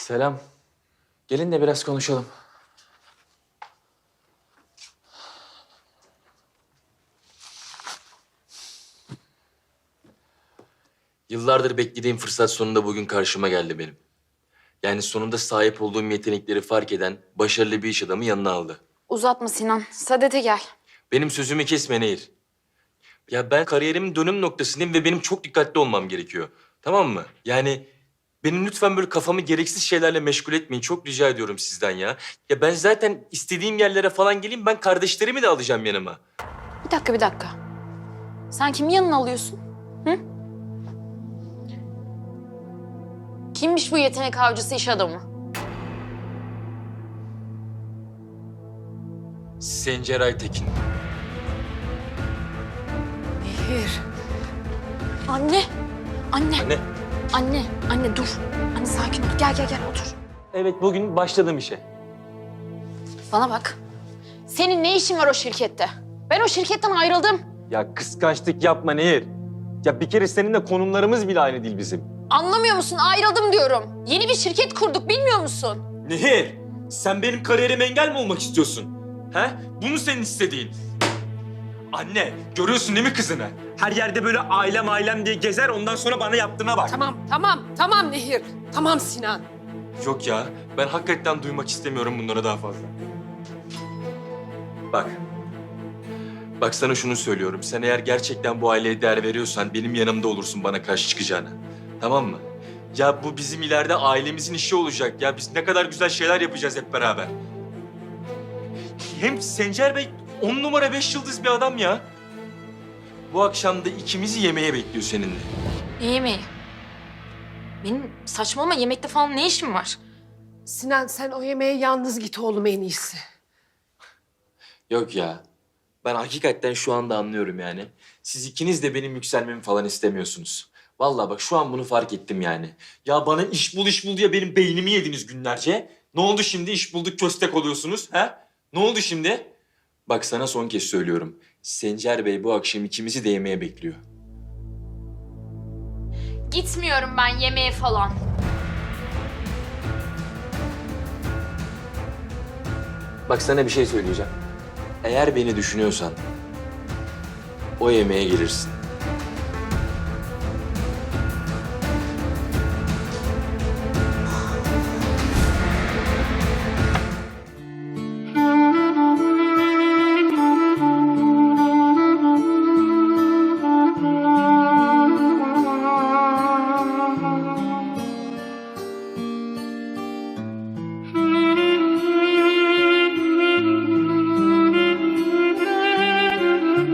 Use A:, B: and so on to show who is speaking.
A: Selam. Gelin de biraz konuşalım. Yıllardır beklediğim fırsat sonunda bugün karşıma geldi benim. Yani sonunda sahip olduğum yetenekleri fark eden başarılı bir iş adamı yanına aldı.
B: Uzatma Sinan. Sadete gel.
A: Benim sözümü kesme Nehir. Ya ben kariyerimin dönüm noktasındayım ve benim çok dikkatli olmam gerekiyor. Tamam mı? Yani benim lütfen böyle kafamı gereksiz şeylerle meşgul etmeyin. Çok rica ediyorum sizden ya. Ya ben zaten istediğim yerlere falan geleyim. Ben kardeşlerimi de alacağım yanıma.
B: Bir dakika. Sen kimi yanına alıyorsun? Hı? Kimmiş bu yetenek avcısı iş adamı?
A: Sencer Aytekin.
C: Nehir.
B: Anne. Anne.
A: Anne.
B: Anne dur. Anne sakin ol. Gel otur.
A: Evet bugün başladım işe.
B: Bana bak. Senin ne işin var o şirkette? Ben o şirketten ayrıldım.
A: Ya kıskançlık yapma Nehir. Ya bir kere seninle konumlarımız bile aynı değil bizim.
B: Anlamıyor musun? Ayrıldım diyorum. Yeni bir şirket kurduk bilmiyor musun?
A: Nehir, sen benim kariyerime engel mi olmak istiyorsun? He? Bu mu senin istediğin? Anne, görüyorsun değil mi kızını? Her yerde böyle ailem diye gezer, ondan sonra bana yaptığına bak.
C: Tamam Nehir. Tamam Sinan.
A: Yok ya, ben hakikaten duymak istemiyorum bunlara daha fazla. Bak. Bak sana şunu söylüyorum. Sen eğer gerçekten bu aileye değer veriyorsan benim yanımda olursun bana karşı çıkacağına. Tamam mı? Ya bu bizim ileride ailemizin işi olacak. Ya biz ne kadar güzel şeyler yapacağız hep beraber. Hem Sencer Bey 10 numara 5 yıldız bir adam ya. Bu akşam da ikimizi yemeğe bekliyor seninle.
B: Ne yemeği? Benim saçmalama yemekte falan ne işim var?
C: Sinan sen o yemeğe yalnız git oğlum en iyisi.
A: Yok ya. Ben hakikaten şu anda anlıyorum yani. Siz ikiniz de benim yükselmemi falan istemiyorsunuz. Vallahi bak şu an bunu fark ettim yani. Ya bana iş bul diye benim beynimi yediniz günlerce. Ne oldu şimdi iş bulduk köstek oluyorsunuz ha? Ne oldu şimdi? Bak sana son kez söylüyorum. Sencer Bey bu akşam ikimizi de yemeğe bekliyor.
B: Gitmiyorum ben yemeğe falan.
A: Bak sana bir şey söyleyeceğim. Eğer beni düşünüyorsan o yemeğe gelirsin.